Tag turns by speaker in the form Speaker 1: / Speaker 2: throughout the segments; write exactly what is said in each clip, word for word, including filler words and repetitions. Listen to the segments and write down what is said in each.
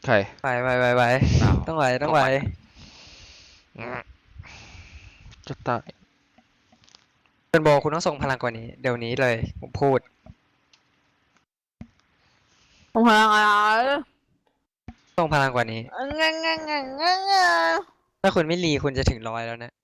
Speaker 1: ร
Speaker 2: ไหวไหวไหวไหวต้องไหวต้องไหว
Speaker 1: จะตาย
Speaker 2: เป็นโบคุณต้องส่งพลังกว่านี้เดี๋ยวนี้เลยผมพูด
Speaker 3: ส่งพลังอะไร
Speaker 2: ส่งพลังกว่านี้
Speaker 3: งงงงงง
Speaker 2: ถ้าคุณไม่รีคุณจะถึงร้อยแล้วนะ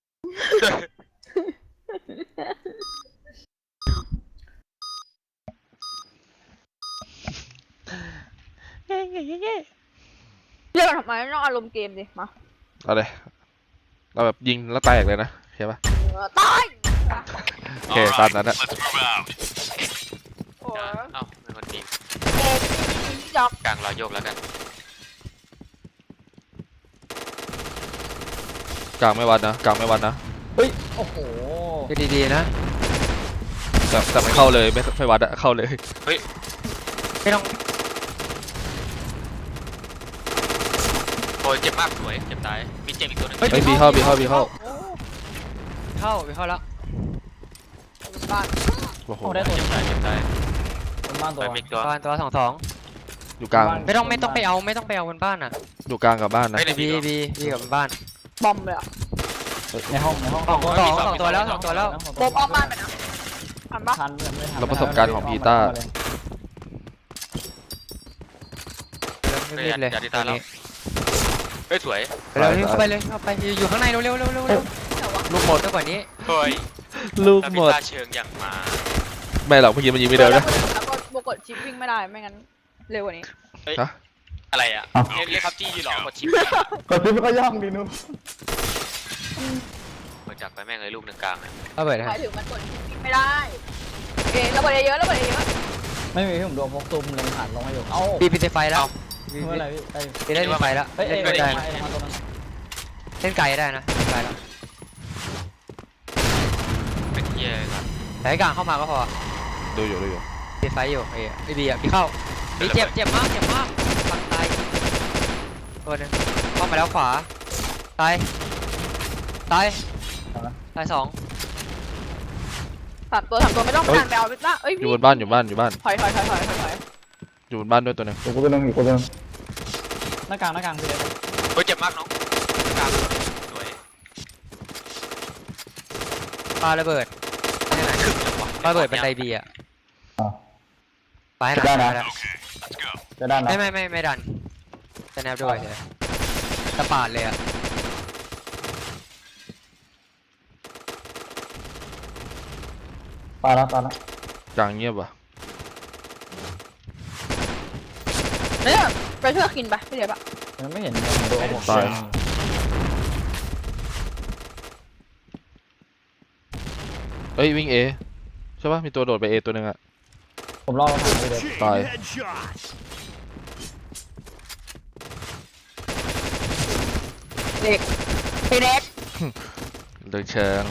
Speaker 3: เรียกทำไมต้องอารมณ์เกมดิมา
Speaker 1: เอาเลยเราแบบยิงแล้วแตกเลยนะเข้าปะ
Speaker 3: ตาย
Speaker 1: โอเคตามนั้นอะ
Speaker 3: โอ้ย
Speaker 4: เอ้าเป็นคนทีม
Speaker 3: เด็กจอก
Speaker 4: กลางรอยโยกแล้วกัน
Speaker 1: กลางไม่วัดนะกลางไม่วัดนะ
Speaker 5: เฮ้ยโอ้โห
Speaker 2: ดูดีๆนะ
Speaker 1: แต่แต่ไม่เข้าเลยไม่ไม่วัดอะเข้าเลย
Speaker 4: เฮ้ย
Speaker 2: ไม่ต้อง
Speaker 4: โอ้ยเจ็บมากสวยเจ็บตายมีเจ็บอีกตัวนึง
Speaker 1: เฮ้ยบีเข้าบีเข้าบีเข้า
Speaker 2: เข้าไปเข้าแล้ว
Speaker 3: บ้าน
Speaker 1: โอ้โห
Speaker 5: ได้ตัว
Speaker 4: เจ็บตายเจ็บตาย
Speaker 5: บนบ้านตัว
Speaker 4: มีตัว
Speaker 2: บ้านตัวสองสอง
Speaker 1: อยู่กลาง
Speaker 2: ไม่ต้องไม่ต้องไปเอาไม่ต้องไปเอาบนบ้านอ่ะ
Speaker 1: อยู่กลางกับบ้านนะ
Speaker 2: บีบีบีกับบนบ้าน
Speaker 3: บอมเลยอ่ะ
Speaker 5: ในห้องในห้อง
Speaker 2: สองสองสองตัวแล้วสองตัวแล้ว
Speaker 3: บอมออกบ้านไปนะทันปะ
Speaker 5: ทันไม่ทัน
Speaker 1: แล้วประสบการณ์ของพีต้า
Speaker 2: รีบเลย
Speaker 4: อย่าดีตาแล้วเฮ้ยสวย
Speaker 2: เร็วเข้าไปเลยเข้าไปอยู่ข้างในเร็วเร็วเร็วเร็วลูกหมดมากกว่านี้
Speaker 4: เฮ้ย
Speaker 1: ลูกหมด
Speaker 4: เชิงอย่างมา
Speaker 1: ไม่หรอกเมื่อกี้มันยิงไม่เดินนะ
Speaker 3: แล้วก็บวกกดชิปวิ่งไม่ได้ไม่งั้นเร็วกว่านี้
Speaker 1: ฮะ
Speaker 4: อะไรอ่ะเรียกครับจี้ยืนหรอกดชิป
Speaker 5: กดชิปก็ย่องดีนู้
Speaker 4: เปิดจับไปแม่งเลยลูกหนึ่งกลาง
Speaker 2: เอาเปิดนะ
Speaker 3: หมายถึงมันกดชิปวิ่งไม่ได้เอ๊ะระเบิดเยอะระเบิดเยอะ
Speaker 5: ไม่มีผมโดนพกซุ่มเลยผ่านลงมาอยู่เอ้า
Speaker 2: ปีปีไฟแล้ว
Speaker 5: เมื่อไรพี่
Speaker 2: ได้ไฟแล้ว
Speaker 5: เฮ้ยเอ้ย
Speaker 2: ได้
Speaker 5: มาตัวนั้น
Speaker 2: เล่นไกลได้นะไกลแล้ว
Speaker 4: เป็นเย่ก่อน
Speaker 2: แต่ให้กลางเข้ามาก็พอ
Speaker 1: ดูอยู่ดูอยู่
Speaker 2: ปีไฟอยู่ไอ้ไอ้บีอ่ะพี่เข้าบีเจ็บเจ็บมากเจ็บมากฝั่งตายตัวนึงเข้ามาแล้วขวาตายตายตายสอง
Speaker 3: สามตัวสามตัวไม่ต้องการไปเอาไปละเอ้ย
Speaker 1: อยู่บนบ้านอยู่บ้านอยู่บ้าน
Speaker 3: ถอยถอยถอยถอยถอย
Speaker 1: อยู่บนบ้านด้วยตัวนึง
Speaker 5: อยู่ตัวนึงอยู่ตัวนึงหน้ากลางหน้ากลางพี่เลย
Speaker 4: เฮ้ยเจ็บมากน้องกลางสวย
Speaker 2: ปาระเบิดปาระเบิดเป็นไดบีอ่ะไปไหนแล้ว
Speaker 5: จะดัน
Speaker 2: ไม่ไม่ไม่ไม่ดันจะแนบด้วยเลยตะปาดเลยอ่ะ
Speaker 5: ปาแล้วปาแล้ว
Speaker 1: กลางเงียบว่ะ
Speaker 3: เนี่ยไปช่วยกินไปไม่เดี๋ยวปะ
Speaker 5: ยังไม่เห็นโดนผม
Speaker 1: ตายเฮ้ยวิ่งเอใช่ป่ะมีตัวโดดไปเอตัวนึงอะ
Speaker 5: ผมรอผ่านไปเลย
Speaker 1: ตาย
Speaker 3: เด็กเด็ก
Speaker 1: เดินเชิง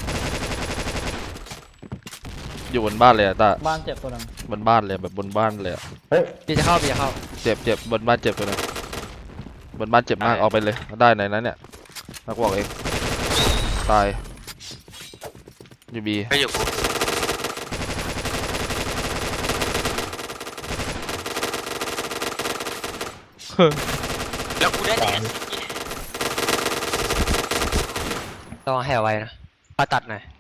Speaker 1: อยู่บนบ้านเลยอะตา
Speaker 5: บ้านเจ็บตัวนึง
Speaker 1: บนบ้านเลยแบบบนบ้านเลยอะ
Speaker 2: เฮ้ยพี่จะเข้าพี่จะเข้า
Speaker 1: เจ็บเจ็บบนบ้านเจ็บตัวนึงบนบ้านเจ็บมากออกไปเลยได้ไหนนั้นเนี่ยนักบอกเองตายยูบี
Speaker 4: ไม่อยู่กูแล้วกูได้แต่
Speaker 2: ต้องแห่ไว้นะปาตัดหน่อย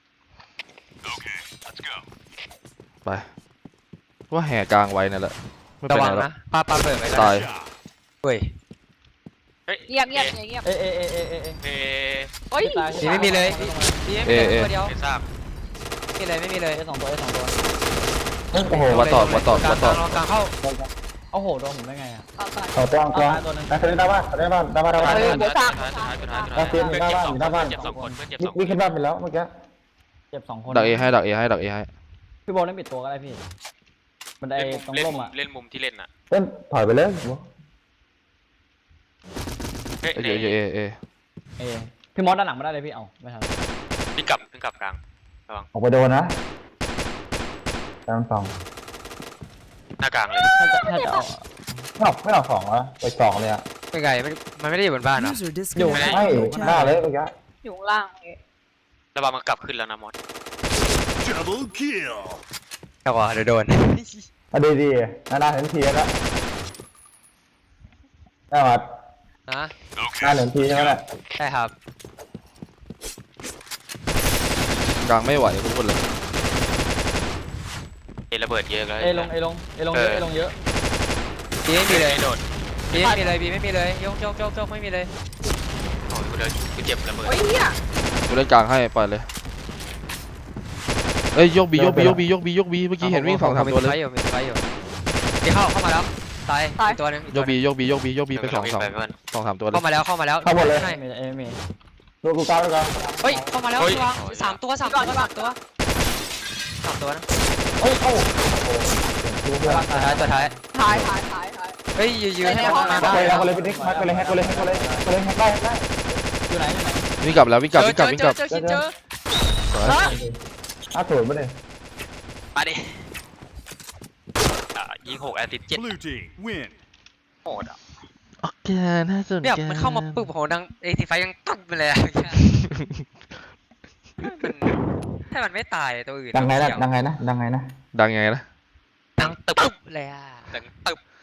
Speaker 1: ไปว่าแห่กลางไว้นั่นแหละ
Speaker 2: ระวังนะปาปาเปิดไป
Speaker 1: ตาย
Speaker 2: เฮ้ย
Speaker 3: เงียบเงียบเงียบ
Speaker 5: เอเอเอเอเอเอ
Speaker 3: โอ้ย
Speaker 2: ไม่มีเลยไม่มีเลยตัวเดียว
Speaker 4: ไม่ทราบ
Speaker 2: ไม่มีเลยไม่มีเลย
Speaker 5: สองตัวสองตัว
Speaker 1: โอ้โหวัดต่อวัดต่อวัดต่อก
Speaker 2: ลางเข้า
Speaker 5: โอ้โหโดนผมได้ไงอ่ะ
Speaker 3: ต่อ
Speaker 5: ตัวตัวตัวนึงแต่คือหน้าบ้านหน้าบ้านหน้าบ้านหน้าบ้าน
Speaker 3: เฮ้ยเดี๋ยวสาม
Speaker 5: เพื่อนหน้าบ้านหน้าบ้าน
Speaker 4: เจ็บสองคนเพื่อนเจ็บสอง
Speaker 5: วิ่งขึ้นบ้านไปแล้วเมื่อกี้เจ็บสองคน
Speaker 1: ดักเอให้ดักเอให้ดักเอให้
Speaker 5: พี่บอลเล่นปิดตัวก็ได้พี่มันได้ตรงร่มอ่ะ
Speaker 4: เล่นมุมที่เล่นอ่ะ
Speaker 5: เล่นถอยไปเลย
Speaker 4: เฮ้ย
Speaker 1: เอเอเอเอ
Speaker 5: เอพี่มอสด้านหลังมาได้เลยพี่เอาไม่ทัน
Speaker 4: พี่กลับพี่กลับกลางระวัง
Speaker 5: ออกไปโดนนะกลางสอง
Speaker 4: หน้ากลางเลย
Speaker 5: ถ้าจะถ้าจะเอาไม่ออกไม่ออกสองวะไปสองเลยอ่ะ
Speaker 2: เป็นไงมันไม่ได้อยู่บนบ้านนะ
Speaker 5: อยู่ไม่หน้าเลยเมื่อกี้
Speaker 3: อยู่ล่าง
Speaker 4: ระวังมันกลับขึ้นแล้วนะมอส
Speaker 2: แต่ว่าเดี๋ยวโดน
Speaker 5: อ่ะดีดีนานาเห็นทีแล้วได้วัด
Speaker 2: นะ
Speaker 5: ห้าหนึ่งทีใช่ไหมล่ะ
Speaker 2: ใช่ครับ
Speaker 1: กลางไม่ไหวทุกคนเลย
Speaker 4: เอระเบิดเยอะแล้ว
Speaker 5: เอลงเอลงเอลงเยอะเอลงเยอะ
Speaker 2: บีไม่มีเลย
Speaker 4: โดด
Speaker 2: บีไม่มีเลยบีไม่มีเลยยกยกยกยกไม่มีเลย
Speaker 4: โอ้ยกูเดินกูเจ็บระเบิด
Speaker 3: โอ้ยเฮีย
Speaker 1: กูเล่นกลางให้ปล่อยเลยเอ้ยยกบียกบียกบียกบียกบีเมื่อกี้เห็นวิ่งสองสามตัวเลย
Speaker 2: มีไฟอยู่มีไฟอยู่บีเข้าเข้ามาแล้วตายอีกตัวหนึงอีก
Speaker 1: ย
Speaker 2: ตัว
Speaker 1: ก
Speaker 2: หนึ
Speaker 1: บี
Speaker 2: ง
Speaker 1: ยกบียกบียกบีไปสองสอง
Speaker 4: ไปก่อน
Speaker 1: สองสามตัวเลย
Speaker 2: เข้ามาแล้วเข้ามาแล้ว
Speaker 5: เข้าหมดเลย
Speaker 2: ใช่
Speaker 5: ไม่เอไม่ตัวกูก้าวแล้วกัน
Speaker 2: เฮ้ยเข้ามาแล้วพี่วางสามตัวสามตัวสามตัวสามตัวนะ
Speaker 5: เฮ้ยเข้าดูเพื่อน
Speaker 2: ตัวท้ายตัวท้าย
Speaker 3: ถ่ายถ่ายถ่ายถ่าย
Speaker 2: เฮ้ยยืนยืนให้
Speaker 3: ในห้
Speaker 2: มั
Speaker 3: อน ง
Speaker 2: มา
Speaker 5: แฮก
Speaker 2: ได้
Speaker 5: เลยแฮกเลยพี่นิกแฮกเลยแฮกเลยแฮกเลยแฮกเลยแฮกได้แฮกได้อยู่ไหนอยู่ไหน
Speaker 1: วิ่งกลับแล้ววิ่งกลับ
Speaker 2: เจอ
Speaker 1: วิ่งกลับวิ่งกลับ
Speaker 2: เจอเจอเจอเจอ
Speaker 1: สวย
Speaker 5: อ้าวถูกปะเนี่ย
Speaker 4: มาดิอ่ะยิงหกแอสซิสต์เจ็ด
Speaker 6: Blue team win.
Speaker 4: โหดอ่ะ
Speaker 1: โอเคน่าสนใจ
Speaker 2: เนี่ยมันเข้ามาปึ๊บโหดังเอทีไฟยังตึ๊บไปเลยอะมันถ้ามันไม่ตายตัวอื่น
Speaker 5: ดังไงนะดังไงนะดังไงนะ
Speaker 1: ดังไงนะ
Speaker 2: ดังตึ๊บเลยอ่ะ
Speaker 4: ดังตึบ